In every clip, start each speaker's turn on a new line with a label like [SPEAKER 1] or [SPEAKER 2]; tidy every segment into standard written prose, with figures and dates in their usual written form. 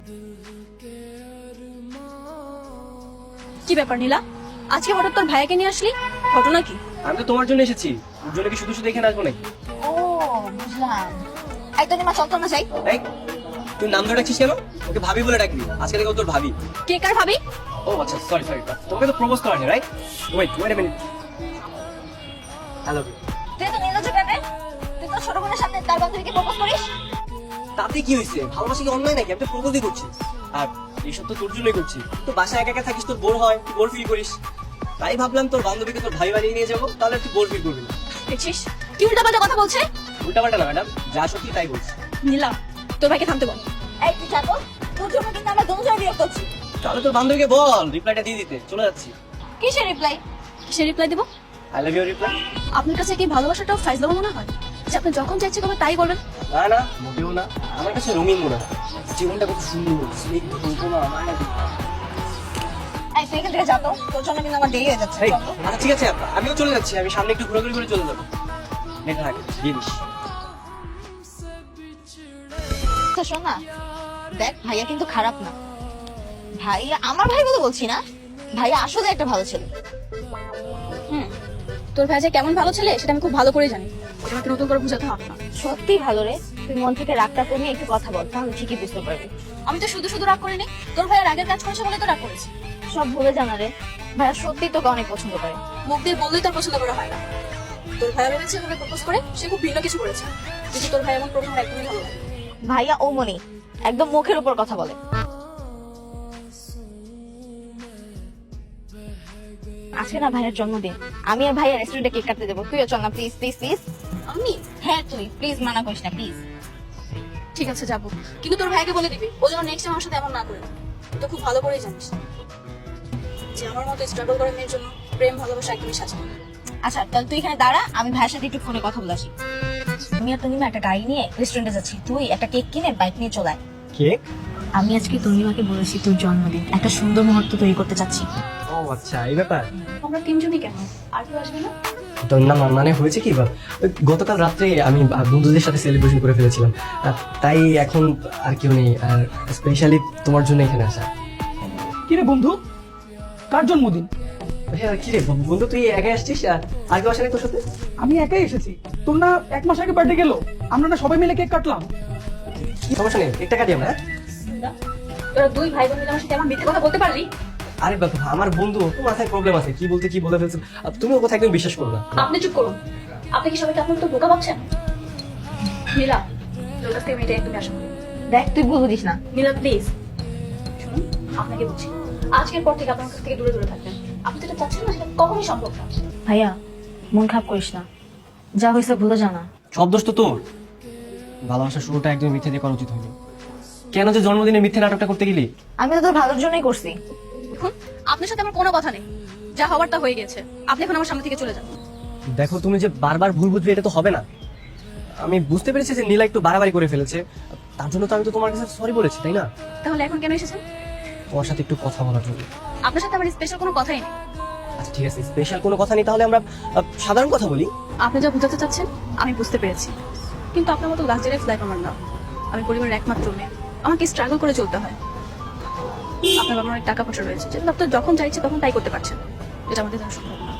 [SPEAKER 1] কি ব্যাপার নীলা, আজকে হঠাৎ তোর ভাইয়াকে নিয়ে আসলি? ঘটনা কি?
[SPEAKER 2] আমি তো তোমার জন্য এসেছি, ওর জন্য কি শুধু শুধু এখানে আসবো নাকি?
[SPEAKER 3] ও বুঝলাম। এই তো মা চল না যাই।
[SPEAKER 2] এই তুই নাম ধরে ডাকছিস কেন? ওকে ভাবি বলে ডাকবি, আজকে থেকে ও তোর ভাবি।
[SPEAKER 1] কে কার ভাবি?
[SPEAKER 2] ও আচ্ছা, সরি সরি, তোমাকে তো প্রপোজ করা হয়নি, right? Wait a minute. Hello.
[SPEAKER 3] তুই তো নির্লজ্জ কেন? তুই তো ছোট বোনের সামনে তার বান্ধবীকে প্রপোজ করিস?
[SPEAKER 2] তাতে কি হয়েছে? ভালোবাসা কি অন্যায় নাকি? আমি তো প্রপোজই করছি। আর এইসব তো তোর জন্যই করছি। তো বাসায় একা একা থাকিস, তোর বোর হয়, তুই বোর ফিল করিস, তাই ভাবলাম তোর বান্ধবীকে তোর ভাই বানিয়ে নিয়ে যাবো, তাহলে তুই বোর ফিল করবি না।
[SPEAKER 1] দেখছিস কি উল্টাপাল্টা কথা বলছে?
[SPEAKER 2] উল্টাপাল্টা না ম্যাডাম, যা সত্যি তাই বলছি।
[SPEAKER 1] নীলা, তোর ভাইকে থামতে বল।
[SPEAKER 3] এই তুই যাবো, তোর জন্য কিন্তু আমরা দুজন বিরক্ত হচ্ছি।
[SPEAKER 2] তাহলে তোর বান্ধবীকে বল রিপ্লাইটা দিয়ে দিতে, চলে যাচ্ছি।
[SPEAKER 3] কিসের রিপ্লাই?
[SPEAKER 1] কিসের রিপ্লাই দেবো?
[SPEAKER 2] I love you reply.
[SPEAKER 1] আপনার কাছে কি ভালোবাসাটাও ফাইজলামো মনে হয় যে আপনি যখন চাইছে কবে তাই বলবেন?
[SPEAKER 2] না না, মোটেও না, আমার কাছে রঙিন মনে হয়। জীবনটা কত সুন্দর, স্নিগ্ধ কল্পনা, আমার নাকি।
[SPEAKER 3] এই তুই এখান থেকে যা তো, তোর জন্য কিন্তু আমার দেরি হয়ে যাচ্ছে।
[SPEAKER 2] এই,
[SPEAKER 3] চল তো।
[SPEAKER 2] আচ্ছা ঠিক আছে, আমিও চলে যাচ্ছি, আমি সামনে একটু ঘোরাঘুরি করে চলে যাবো। দেখা থাকে জিনিস।
[SPEAKER 3] আচ্ছা শোন না, দেখ ভাইয়া কিন্তু খারাপ না। ভাইয়া আমার ভাই বলে বলছি না, ভাইয়া আসলে একটা ভালো ছেলে।
[SPEAKER 1] তোর ভাই যে কেমন ভালো ছেলে সেটা আমি খুব ভালো করে জানি, এটা আমাকে নতুন করে বুঝাতে হবে না।
[SPEAKER 3] সত্যি ভালো রে, তুই মন থেকে রাগটা কমিয়ে একটু কথা বল, তাহলে ঠিকই বুঝতে পারবি।
[SPEAKER 1] আমি তো শুধু শুধু রাগ করিনি, তোর ভাইয়ের আগের কাজ করেছে বলে তো রাগ করেছি।
[SPEAKER 3] সব ভুলে জানা রে, ভাইয়া সত্যি তোকে অনেক পছন্দ করে।
[SPEAKER 1] মুখ দিয়ে বললেই তার পছন্দ করা হয় না। তোর ভাইয়া ভেবেছে ওকে প্রপোজ করে সে খুব ভিন্ন কিছু করেছে, কিন্তু তোর ভাই এমন প্রথম একদমই ভালো লাগে।
[SPEAKER 3] ভাইয়া ও মনি একদম মুখের উপর কথা বলে। আজকে না ভাইয়ের জন্মদিন, আমি আর ভাইয়া রেস্টুরেন্টে কেক কাটতে দেবো, তুইও চল না প্লিজ প্লিজ প্লিজ।
[SPEAKER 1] আমি?
[SPEAKER 3] হ্যাঁ তুই প্লিজ, মানা করিস না প্লিজ।
[SPEAKER 1] ঠিক আছে যাবো, কিন্তু তোর ভাইকে বলে দিবি ও যেন নেক্সট টাইম আমার সাথে এমন না করে। তুই তো খুব ভালো করেই জানিস যে আমার মতো স্ট্রাগল করে মেয়ের জন্য প্রেম ভালোবাসা একদমই সাজে না।
[SPEAKER 3] আচ্ছা তাহলে তুই এখানে দাঁড়া, আমি ভাইয়ের সাথে একটু ফোনে কথা বলে আসি। আমি আর তনিমা একটা গাড়ি নিয়ে রেস্টুরেন্টে যাচ্ছি, তুই একটা কেক কিনে বাইক নিয়ে চলে আয়।
[SPEAKER 2] কেক?
[SPEAKER 3] আমি আজকে তনিমাকে বলেছি তোর জন্মদিন, একটা সুন্দর মুহূর্ত তৈরি করতে চাচ্ছি।
[SPEAKER 2] ও আচ্ছা, এই ব্যাপার।
[SPEAKER 1] আমরা তিনজনই কেন, আর কেউ আসবে না?
[SPEAKER 2] তো না মানে হয়েছে কি, ওই গতকাল রাত্রে আমি বন্ধুদের সাথে সেলিব্রেশন করে ফেলেছিলাম, তাই এখন আর কেউ নেই, আর স্পেশালি তোমার জন্য এখানে আসা।
[SPEAKER 4] কিরে বন্ধু, কার জন্মদিন?
[SPEAKER 2] হ্যাঁ কি রে বন্ধু, তুই একাই আসছিস? আর কেউ আসে নাই তোর সাথে?
[SPEAKER 4] আমি একাই এসেছি। তোর না 1 মাস আগে বার্থডে গেল, আমরা না সবাই মিলে কেক কাটলাম।
[SPEAKER 2] সমস্যা নেই, একটা কাটি আমরা।
[SPEAKER 1] তোরা দুই ভাই বোন মিলে আমার সাথে এমন মিথ্যে কথা বলতে পারলি?
[SPEAKER 2] আরে বাবা, আমার বন্ধু, তোর মাথায় প্রবলেম আছে, কি বলতে কি বলে ফেলছো, আর তুমি ও কথা একদম বিশ্বাস করো না।
[SPEAKER 1] আপনি চুপ করুন। আপনি কি সবাইকে আপনার তো বোকা ভাবছেন? নীলা, তোর কাছ থেকে মেয়েটা একদমই আশা করি।
[SPEAKER 3] দেখ তুই ভুল বুঝিস না।
[SPEAKER 1] নীলা প্লিজ শুনুন, আপনাকে বলছি আজকের পর থেকে আপনার কাছ থেকে দূরে দূরে থাকবেন। আপনি যেটা চাচ্ছেন না সেটা কখনোই সম্ভব না।
[SPEAKER 3] ভাইয়া মন খারাপ করিস না, যা হয়েছে ভুলে জানা।
[SPEAKER 2] সব দোষ তো তোর। ভালোবাসার শুরুটা একদম মিথ্যে দিয়ে করা উচিত হয়নি। কেন যে জন্মদিনে মিথ্যে নাটকটা করতে গেলি?
[SPEAKER 3] আমি তো তোর ভালোর জন্যই করছি।
[SPEAKER 1] দেখুন, আপনার সাথে আমার কোনো কথা নেই, যা হওয়ার তা হয়ে গেছে। আপনি এখন আমার সামনে থেকে চলে যান।
[SPEAKER 2] দেখো, তুমি যে বারবার ভুল বুঝবে এটা তো হবে না। আমি বুঝতে পেরেছি যে নীলা একটু বাড়াবাড়ি করে ফেলেছে, তার জন্য তো আমি তো তোমার কাছে সরি বলেছি, তাই না?
[SPEAKER 1] তাহলে এখন কেন এসেছেন?
[SPEAKER 2] তোমার সাথে একটু কথা বলার জন্য।
[SPEAKER 1] আপনার সাথে আমার স্পেশাল কোনো কথাই নেই।
[SPEAKER 2] আচ্ছা ঠিক আছে, স্পেশাল কোনো কথা নেই, তাহলে আমরা সাধারণ কথা বলি।
[SPEAKER 1] আপনি যা বোঝাতে চাচ্ছেন আমি বুঝতে পেরেছি, কিন্তু আপনার মতো লাক্সারিয়াস লাইফ আমার না। আমি পরিবারের একমাত্র মেয়ে, আমাকে স্ট্রাগল করে চলতে হয়। আপনার বাবার অনেক টাকা পয়সা রয়েছে, যেটা আপনার যখন চাইছে তখন তাই করতে পারছেন, এটা আমাদের জন্য সম্ভব না।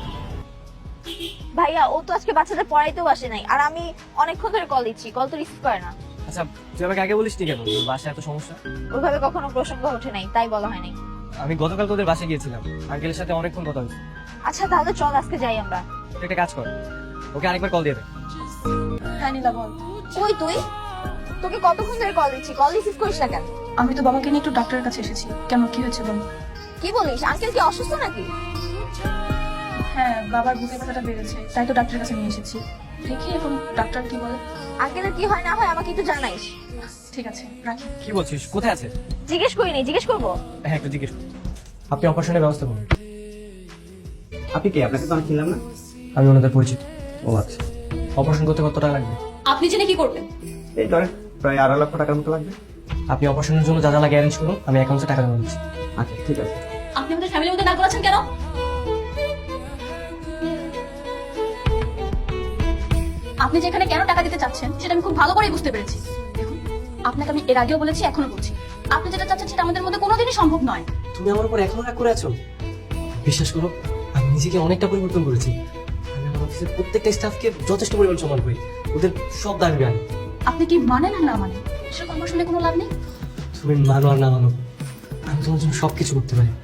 [SPEAKER 3] ভাইয়া ও তো আজকে বাচ্চাদের পড়াইতেও আসে নাই, আর আমি অনেকক্ষণ ধরে কল দিচ্ছি, কল তো রিসিভ করে না।
[SPEAKER 2] আচ্ছা তুই আমাকে আগে বলিস নি কেন বাসায় এত সমস্যা?
[SPEAKER 3] ওইভাবে কখনো প্রসঙ্গ ওঠে নাই, তাই বলা হয় নাই।
[SPEAKER 2] আমি গতকাল তোদের বাসায় গিয়েছিলাম, আঙ্কেলের সাথে অনেকক্ষণ কথা হয়েছে।
[SPEAKER 3] আচ্ছা তাহলে চল আজকে যাই আমরা।
[SPEAKER 2] তুই একটা কাজ কর, ওকে আরেকবার কল দিয়ে দে।
[SPEAKER 1] হ্যাঁ নীলা বল।
[SPEAKER 3] কই তুই? তোকে কতক্ষণ ধরে কল দিচ্ছি, কল রিসিভ করিস না কেন?
[SPEAKER 1] আমি তো বাবাকে নিয়ে একটু ডাক্তারের কাছে এসেছি। কেন, কি হয়েছে বল?
[SPEAKER 3] কি বলিস, আঙ্কেল কি অসুস্থ নাকি?
[SPEAKER 1] হ্যাঁ, বাবার বুকে ব্যথাটা বেড়েছে, তাই তো ডাক্তারের কাছে নিয়ে এসেছি। দেখি এখন ডাক্তার কি বলে।
[SPEAKER 3] আঙ্কেলের কি হয় না হয় আমাকে একটু জানাইস।
[SPEAKER 1] ঠিক আছে, রাখি।
[SPEAKER 2] কি বলছিস, কোথায় আছে?
[SPEAKER 3] জিজ্ঞেস করিনি, জিজ্ঞেস করবো।
[SPEAKER 2] হ্যাঁ একটু জিজ্ঞেস কর। আপনি অপারেশনের ব্যবস্থা করুন।
[SPEAKER 5] আপনি কে? আপনাকে তো আমি চিনলাম না।
[SPEAKER 2] আমি ওনাদের পরিচিত। ও আচ্ছা, অপারেশন করতে কত টাকা লাগবে?
[SPEAKER 1] আপনি জেনে কি করবেন?
[SPEAKER 5] এই ধরেন প্রায় 2.5 লক্ষ টাকার মতো লাগবে।
[SPEAKER 2] আপনি অপারেশনের জন্য যা যা লাগে অ্যারেঞ্জ করুন, আমি অ্যাকাউন্টে টাকা জমা দিচ্ছি।
[SPEAKER 5] আচ্ছা ঠিক আছে।
[SPEAKER 1] আপনি আমাদের ফ্যামিলির মধ্যে না করাচ্ছেন কেন? আপনি যেখানে কেন টাকা দিতে চাচ্ছেন সেটা আমি খুব ভালো করেই বুঝতে পেরেছি। দেখুন, আপনাকে আমি এর আগেও বলেছি, এখনো বলছি, আপনি যেটা চাচ্ছেন সেটা আমাদের মধ্যে কোনোদিনই সম্ভব নয়।
[SPEAKER 2] তুমি আমার উপর এখনো রাগ করে আছো? বিশ্বাস করো, আমি নিজেকে অনেকটা পরিবর্তন করেছি। আমি আমার অফিসের প্রত্যেকটা স্টাফকে যথেষ্ট পরিমাণ সম্মান করি, ওদের সব দাবি আনি।
[SPEAKER 1] আপনি কি মানেন আর না মানেন সেটা আমার শুনে কোনো লাভ নেই।
[SPEAKER 2] তুমি মানো আর না মানো, আমি তোমার জন্য সবকিছু করতে পারি।